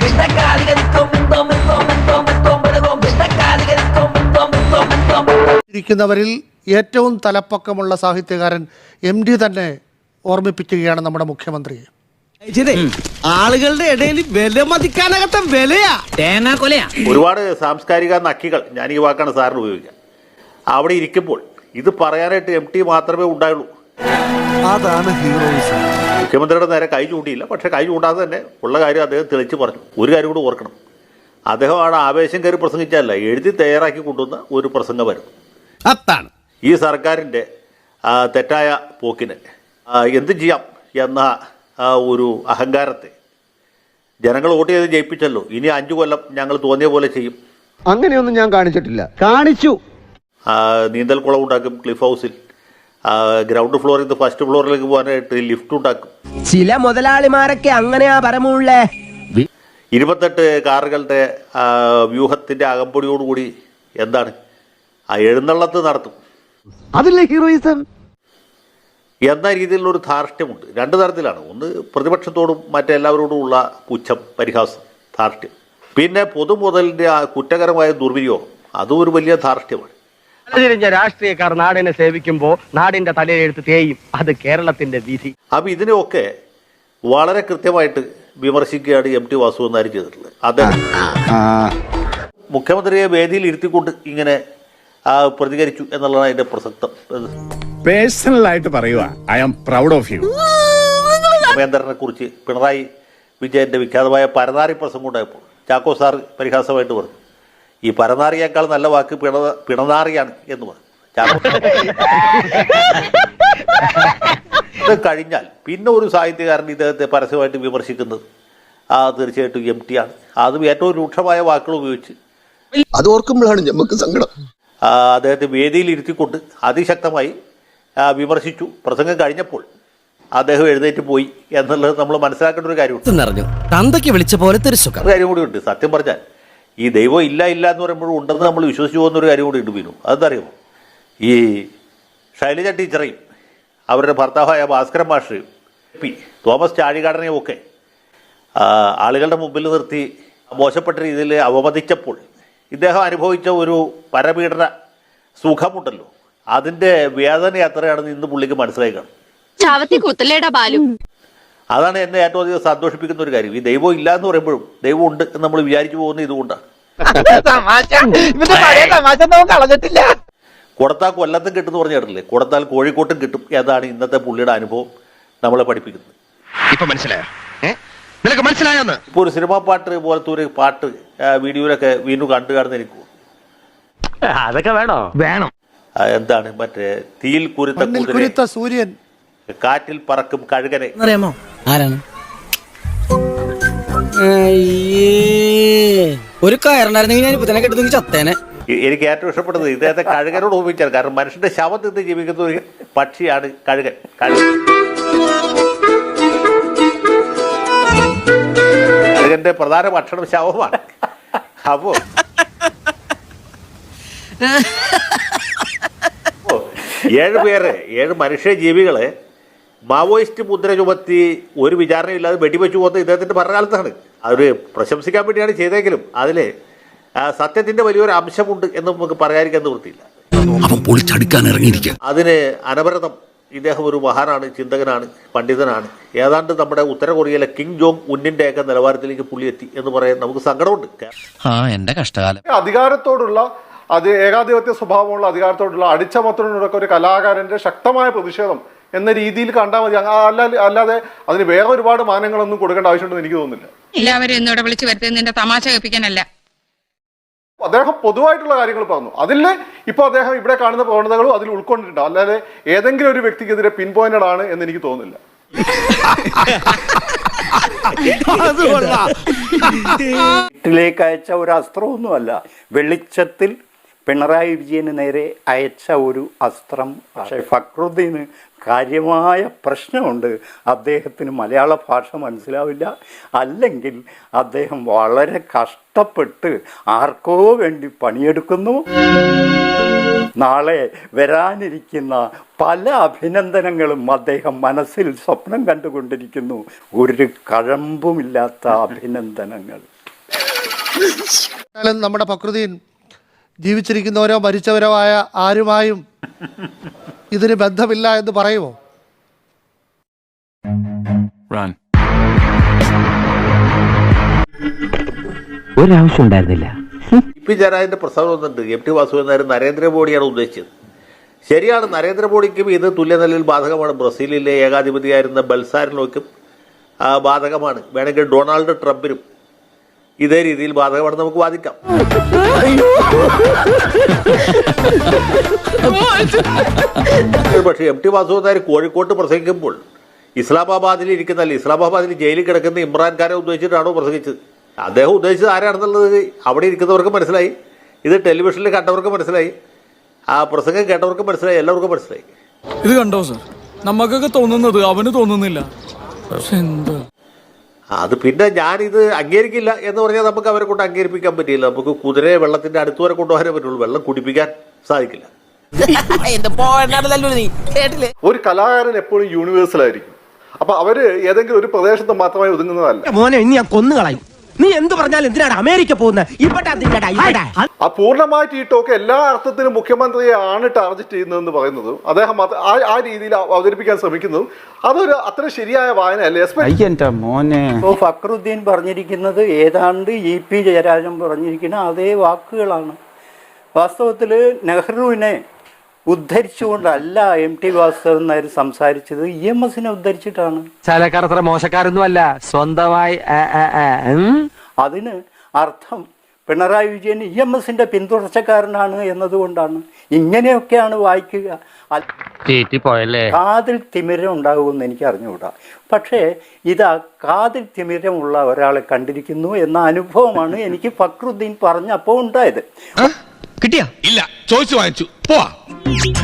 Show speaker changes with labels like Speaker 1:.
Speaker 1: ഇരിക്കുന്നവരിൽ ഏറ്റവും തലപ്പക്കമുള്ള സാഹിത്യകാരൻ MD തന്നെ ഓർമ്മിപ്പിക്കുകയാണ് നമ്മുടെ മുഖ്യമന്ത്രിയെ.
Speaker 2: ആളുകളുടെ ഇടയിൽ വില മതിക്കാനകത്ത വിലയാ തേങ്ങാക്കൊലയാ.
Speaker 3: ഒരുപാട് സാംസ്കാരിക നക്കികൾ, ഞാൻ ഈ വാക്കാണ് സാറിന് ഉപയോഗിക്കുക, അവിടെ ഇരിക്കുമ്പോൾ ഇത് പറയാനായിട്ട് MT മാത്രമേ ഉണ്ടായുള്ളൂ.
Speaker 4: അതാണ് ഹീറോയിസം.
Speaker 3: മുഖ്യമന്ത്രിയുടെ നേരെ കൈ ചൂണ്ടിയില്ല, പക്ഷെ കൈ ചൂണ്ടാതെ തന്നെ ഉള്ള കാര്യം അദ്ദേഹം തെളിച്ച് പറഞ്ഞു. ഒരു കാര്യം കൂടി ഓർക്കണം, അദ്ദേഹമാണ് ആവേശം കയറി പ്രസംഗിച്ചല്ല, എഴുതി തയ്യാറാക്കി കൊണ്ടുവന്ന ഒരു പ്രസംഗമായിരുന്നു.
Speaker 2: അതാണ്
Speaker 3: ഈ സർക്കാരിൻ്റെ തെറ്റായ പോക്കിന് എന്ത് ചെയ്യാം എന്ന ഒരു അഹങ്കാരത്തെ ജനങ്ങൾ വോട്ട് ചെയ്ത് ജയിപ്പിച്ചല്ലോ. ഇനി 5 കൊല്ലം ഞങ്ങൾ തോന്നിയ പോലെ ചെയ്യും.
Speaker 5: അങ്ങനെയൊന്നും ഞാൻ കാണിച്ചിട്ടില്ല. കാണിച്ചു.
Speaker 3: നീന്തൽക്കുളം ഉണ്ടാക്കും, ക്ലിഫ് ഹൗസിൽ ഗ്രൗണ്ട് ഫ്ലോറിൽ നിന്ന് ഫസ്റ്റ് ഫ്ലോറിലേക്ക് പോകാനായിട്ട് ലിഫ്റ്റ് ഉണ്ടാക്കും.
Speaker 5: ചില മുതലാളിമാരൊക്കെ അങ്ങനെയാ പരമുള്ളേ.
Speaker 3: 28 കാറുകളുടെ വ്യൂഹത്തിന്റെ അകമ്പടിയോടുകൂടി എന്താണ് എഴുന്നള്ളത്ത് നടത്തും.
Speaker 5: അതില്ലേ ഹീറോയിസം
Speaker 3: എന്ന രീതിയിലുള്ള ഒരു ധാർഷ്ട്യമുണ്ട്. 2 തരത്തിലാണ്. ഒന്ന് പ്രതിപക്ഷത്തോടും മറ്റെല്ലാവരോടും ഉള്ള പുച്ഛം, പരിഹാസം, ധാർഷ്ട്യം. പിന്നെ പൊതുമുതലിന്റെ ആ കുറ്റകരമായ ദുർവിനിയോഗം, അതും ഒരു വലിയ ധാർഷ്ട്യമാണ്.
Speaker 5: രാഷ്ട്രീയക്കാർ നാടിനെ സേവിക്കുമ്പോ നാടിന്റെ തലയെഴുത്ത് തേയും. അത് കേരളത്തിന്റെ വിധി.
Speaker 3: അപ്പൊ ഇതിനെയൊക്കെ വളരെ കൃത്യമായിട്ട് വിമർശിക്കുകയാണ് MT വാസുദേവൻ ചെയ്തിട്ടുള്ളത്. അദ്ദേഹം മുഖ്യമന്ത്രിയെ വേദിയിൽ ഇരുത്തിക്കൊണ്ട് ഇങ്ങനെ പ്രതികരിച്ചു എന്നുള്ളതാണ് അതിന്റെ പ്രസക്തം.
Speaker 6: പേഴ്സണൽ ആയിട്ട് പറയുക, I am proud of you.
Speaker 3: രാമേന്ദ്രനെ കുറിച്ച് പിണറായി വിജയന്റെ വിഖ്യാതമായ പരനാറി പ്രസംഗം ഉണ്ടായപ്പോൾ ചാക്കോ സാർ പരിഹാസമായിട്ട് പറഞ്ഞു, ഈ പരനാറിയേക്കാൾ നല്ല വാക്ക് പിണനാറിയാണ് എന്ന് പറഞ്ഞു. ഇത് കഴിഞ്ഞാൽ പിന്നെ ഒരു സാഹിത്യകാരൻ ഇദ്ദേഹത്തെ പരസ്യമായിട്ട് വിമർശിക്കുന്നത് തീർച്ചയായിട്ടും MT ആണ്. അതും ഏറ്റവും രൂക്ഷമായ വാക്കുകൾ ഉപയോഗിച്ച്.
Speaker 4: അത് ഓർക്കുമ്പോഴാണ് നമുക്ക് സങ്കടം.
Speaker 3: അദ്ദേഹത്തെ വേദിയിൽ ഇരുത്തിക്കൊണ്ട് അതിശക്തമായി വിമർശിച്ചു. പ്രസംഗം കഴിഞ്ഞപ്പോൾ അദ്ദേഹം എഴുന്നേറ്റ് പോയി എന്നുള്ളത് നമ്മൾ മനസ്സിലാക്കേണ്ട ഒരു കാര്യമുണ്ട്.
Speaker 2: തന്തയ്ക്ക് വിളിച്ച പോലത്തെ ഒരു
Speaker 3: കാര്യം കൂടി ഉണ്ട്. സത്യം പറഞ്ഞാൽ ഈ ദൈവം ഇല്ല എന്ന് പറയുമ്പോഴും ഉണ്ടെന്ന് നമ്മൾ വിശ്വസിച്ചു പോകുന്നൊരു കാര്യം കൂടി ഉണ്ട്. വീണു അതെന്തറിയുമോ, ഈ ശൈലജ ടീച്ചറേയും അവരുടെ ഭർത്താവായ ഭാസ്കരൻ മാഷയും തോമസ് ചാഴികാടനെയും ഒക്കെ ആളുകളുടെ മുമ്പിൽ നിർത്തി മോശപ്പെട്ട രീതിയിൽ അവമതിച്ചപ്പോൾ ഇദ്ദേഹം അനുഭവിച്ച ഒരു പരപീഡന സുഖമുണ്ടല്ലോ, അതിൻ്റെ വേദന എത്രയാണെന്ന് ഇന്ന് പുള്ളിക്ക് മനസ്സിലായി കാണും. അതാണ് എന്നെ ഏറ്റവും അധികം സന്തോഷിപ്പിക്കുന്ന ഒരു കാര്യം. ഈ ദൈവം ഇല്ല എന്ന് പറയുമ്പോഴും ദൈവം ഉണ്ട് എന്ന് നമ്മൾ വിചാരിച്ചു പോകുന്ന ഇതുകൊണ്ടാണ്. കൊടുത്താൽ കൊല്ലത്തും കിട്ടും പറഞ്ഞു കേട്ടില്ലേ, കൊടുത്താൽ കോഴിക്കോട്ടും കിട്ടും. ഏതാണ് ഇന്നത്തെ പുള്ളിയുടെ അനുഭവം നമ്മളെ പഠിപ്പിക്കുന്നത്.
Speaker 7: ഇപ്പൊ മനസ്സിലായോ? നിനക്ക് മനസ്സിലായോന്ന്?
Speaker 3: ഇപ്പൊ ഒരു സിനിമാ പാട്ട് പോലത്തെ ഒരു പാട്ട് വീഡിയോയിലൊക്കെ വീണ്ടും കണ്ടു കാണുന്ന എനിക്ക്
Speaker 5: അതൊക്കെ വേണോ?
Speaker 7: വേണം.
Speaker 3: എന്താണ് മറ്റേ തീയിൽ കുരുത്ത
Speaker 1: സൂര്യൻ,
Speaker 3: കാറ്റിൽ പറക്കും കഴുകനെ.
Speaker 2: അറിയാമോ ആരാണ്? ഒരു കയറുണ്ടായിരുന്നെങ്കിൽ ഞാൻ ഇപ്പൊ തന്നെ കെട്ടുന്നെങ്കിൽ ചത്തേനെ.
Speaker 3: എനിക്ക് ഏറ്റവും ഇഷ്ടപ്പെട്ടത് ഇദ്ദേഹത്തെ കഴുകനോട് ഉപയോഗിച്ചാൽ. കാരണം മനുഷ്യന്റെ ശവം തിന്ന് ജീവിക്കുന്ന ഒരു പക്ഷിയാണ് കഴുകൻ. കഴുകന്റെ പ്രധാന ഭക്ഷണം ശവമാണ്. അപ്പോ 7 മനുഷ്യ ജീവികളെ മാവോയിസ്റ്റ് മുദ്ര ചുമത്തി ഒരു വിചാരണയില്ലാതെ വെടിവെച്ചു പോകുന്നത് ഇദ്ദേഹത്തിന്റെ ഭരണകാലത്താണ്. അതൊരു പ്രശംസിക്കാൻ വേണ്ടിയാണ് ചെയ്തെങ്കിലും അതിൽ സത്യത്തിന്റെ വലിയൊരു അംശമുണ്ട് എന്ന് നമുക്ക് പറയാതിരിക്കാൻ നിവൃത്തിയില്ല. അതിന് അനവരതം ഇദ്ദേഹം ഒരു മഹാനാണ്, ചിന്തകനാണ്, പണ്ഡിതനാണ്. ഏതാണ്ട് നമ്മുടെ ഉത്തര കൊറിയയിലെ കിങ് ജോങ് ഉന്നിന്റെ ഒക്കെ നിലവാരത്തിലേക്ക് പുള്ളി എത്തി എന്ന് പറയാൻ നമുക്ക് സങ്കടമുണ്ട്.
Speaker 2: എന്റെ കഷ്ടകാലം.
Speaker 8: അധികാരത്തോടുള്ള ഏകാധിപത്യ സ്വഭാവമുള്ള അധികാരത്തോടുള്ള അടിച്ചമർത്തലിനോടൊക്കെ ഒരു കലാകാരന്റെ ശക്തമായ പ്രതിഷേധം എന്ന രീതിയിൽ കണ്ടാൽ മതി. അല്ലാതെ അതിന് വേറെ ഒരുപാട് മാനങ്ങളൊന്നും കൊടുക്കേണ്ട ആവശ്യമുണ്ടെന്ന് എനിക്ക് തോന്നുന്നില്ല.
Speaker 9: എല്ലാവരും എന്നോട് വിളിച്ചു വരുത്തുന്നതിന്റെ തമാശ കേൾപ്പിക്കാനല്ല.
Speaker 8: അദ്ദേഹം പൊതുവായിട്ടുള്ള കാര്യങ്ങൾ പറഞ്ഞു. അതിൽ ഇപ്പൊ അദ്ദേഹം ഇവിടെ കാണുന്ന പ്രവണതകളും അതിൽ ഉൾക്കൊണ്ടിട്ടുണ്ട്. അല്ലാതെ ഏതെങ്കിലും ഒരു വ്യക്തിക്കെതിരെ പിൻ പോയിന്റഡ് ആണ് എന്ന് എനിക്ക് തോന്നുന്നില്ല.
Speaker 10: വീട്ടിലേക്ക് അയച്ച ഒരു അസ്ത്രമൊന്നുമല്ല, വെളിച്ചത്തിൽ പിണറായി വിജയന് നേരെ അയച്ച ഒരു അസ്ത്രം. പക്ഷേ ഫക്രുദ്ദീന് കാര്യമായ പ്രശ്നമുണ്ട്. അദ്ദേഹത്തിന് മലയാള ഭാഷ മനസ്സിലാവില്ല. അല്ലെങ്കിൽ അദ്ദേഹം വളരെ കഷ്ടപ്പെട്ട് ആർക്കോ വേണ്ടി പണിയെടുക്കുന്നു. നാളെ വരാനിരിക്കുന്ന പല അഭിനന്ദനങ്ങളും അദ്ദേഹം മനസ്സിൽ സ്വപ്നം കണ്ടുകൊണ്ടിരിക്കുന്നു. ഒരു കഴമ്പുമില്ലാത്ത അഭിനന്ദനങ്ങൾ.
Speaker 1: എന്നാലും നമ്മുടെ ഫക്രുദ്ദീൻ ജീവിച്ചിരിക്കുന്നവരോ മരിച്ചവരോ ആയ ആരുമായും ഇതിന് ബന്ധമില്ല എന്ന് പറയുമോ?
Speaker 5: ഒരാവശ്യം ഉണ്ടായിരുന്നില്ല.
Speaker 3: പി ജയരാജന്റെ പ്രസ്താവന വന്നിട്ടുണ്ട്. MT വാസുദേവൻ നായർ നരേന്ദ്രമോദിയാണ് ഉദ്ദേശിച്ചത്. ശരിയാണ്, നരേന്ദ്രമോദിക്കും ഇത് തുല്യനിലയിൽ ബാധകമാണ്. ബ്രസീലിലെ ഏകാധിപതിയായിരുന്ന ബൽസാരിനോയ്ക്കും ബാധകമാണ്. വേണമെങ്കിൽ ഡൊണാൾഡ് ട്രംപിനും ഇതേ രീതിയിൽ ബാധകമാണെന്ന് നമുക്ക് വാദിക്കാം. പക്ഷേ MT വാസുദേവൻ നായർ കോഴിക്കോട്ട് പ്രസംഗിക്കുമ്പോൾ ഇസ്ലാമാബാദിൽ ഇരിക്കുന്നല്ല, ഇസ്ലാമാബാദിൽ ജയിലിൽ കിടക്കുന്ന ഇമ്രാൻഖാനെ ഉദ്ദേശിച്ചിട്ടാണോ പ്രസംഗിച്ചത്? അദ്ദേഹം ഉദ്ദേശിച്ചത് ആരാണെന്നുള്ളത് അവിടെ ഇരിക്കുന്നവർക്ക് മനസ്സിലായി, ഇത് ടെലിവിഷനിൽ കണ്ടവർക്ക് മനസ്സിലായി, ആ പ്രസംഗം കേട്ടവർക്ക് മനസ്സിലായി, എല്ലാവർക്കും മനസ്സിലായി.
Speaker 2: ഇത് കണ്ടോ സർ, നമുക്കൊക്കെ തോന്നുന്നത് അവന് തോന്നുന്നില്ല. പക്ഷെ എന്താ
Speaker 3: അത് പിന്നെ ഞാനിത് അംഗീകരിക്കില്ല എന്ന് പറഞ്ഞാൽ നമുക്ക് അവരെ കൊണ്ട് അംഗീകരിപ്പിക്കാൻ പറ്റില്ല. നമുക്ക് കുതിരയെ വെള്ളത്തിന്റെ അടുത്ത് വരെ കൊണ്ടുപോകാനേ പറ്റുള്ളൂ, വെള്ളം കുടിപ്പിക്കാൻ സാധിക്കില്ല.
Speaker 8: ഒരു കലാകാരൻ എപ്പോഴും യൂണിവേഴ്സൽ ആയിരിക്കും. അപ്പൊ അവര് ഏതെങ്കിലും ഒരു പ്രദേശത്ത് മാത്രമായി ഒതുങ്ങുന്നതല്ല.
Speaker 5: മോനെ ഇനി ഞാൻ കൊന്നുകളയും. നീ എന്ത് പറഞ്ഞാലും എന്തിനാണ് അമേരിക്ക പോകുന്നത്?
Speaker 8: ആ പൂർണ്ണമായിട്ട് ഈ ടോക്ക് എല്ലാ അർത്ഥത്തിലും മുഖ്യമന്ത്രിയെ ആണ് ടാർഗറ്റ് ചെയ്യുന്നതെന്ന് പറയുന്നത്, അദ്ദേഹം ആ രീതിയിൽ അവതരിപ്പിക്കാൻ ശ്രമിക്കുന്നതും അതൊരു അത്ര ശരിയായ വായനയല്ലേ.
Speaker 10: ഇപ്പോൾ ഫക്രുദ്ദീൻ പറഞ്ഞിരിക്കുന്നത് ഏതാണ്ട് EP ജയരാജൻ പറഞ്ഞിരിക്കുന്ന അതേ വാക്കുകളാണ്. വാസ്തവത്തിൽ നെഹ്റുവിനെ ഉദ്ധരിച്ചുകൊണ്ടല്ല MT വാസുദേവൻ നായർ സംസാരിച്ചത്, EMSനെ ഉദ്ധരിച്ചിട്ടാണ്.
Speaker 5: ചാലക്കാർ അത്ര മോശക്കാരൊന്നും അല്ല, സ്വന്തമായി.
Speaker 10: അതിന് അർത്ഥം പിണറായി വിജയൻ EMSന്റെ പിന്തുടർച്ചക്കാരനാണ് എന്നതുകൊണ്ടാണ്. ഇങ്ങനെയൊക്കെയാണ് വായിക്കുക. കാതിൽ തിമിരം ഉണ്ടാകുമെന്ന് എനിക്ക് അറിഞ്ഞുകൂടാ. പക്ഷേ ഇത് കാതിൽ തിമിരമുള്ള ഒരാളെ കണ്ടിരിക്കുന്നു എന്ന അനുഭവമാണ് എനിക്ക് ഫക്രുദ്ദീൻ പറഞ്ഞപ്പോൾ ഉണ്ടായത്.
Speaker 7: കിട്ടിയാ? ഇല്ല, ചോദിച്ചു വാങ്ങിച്ചു. പോവാ.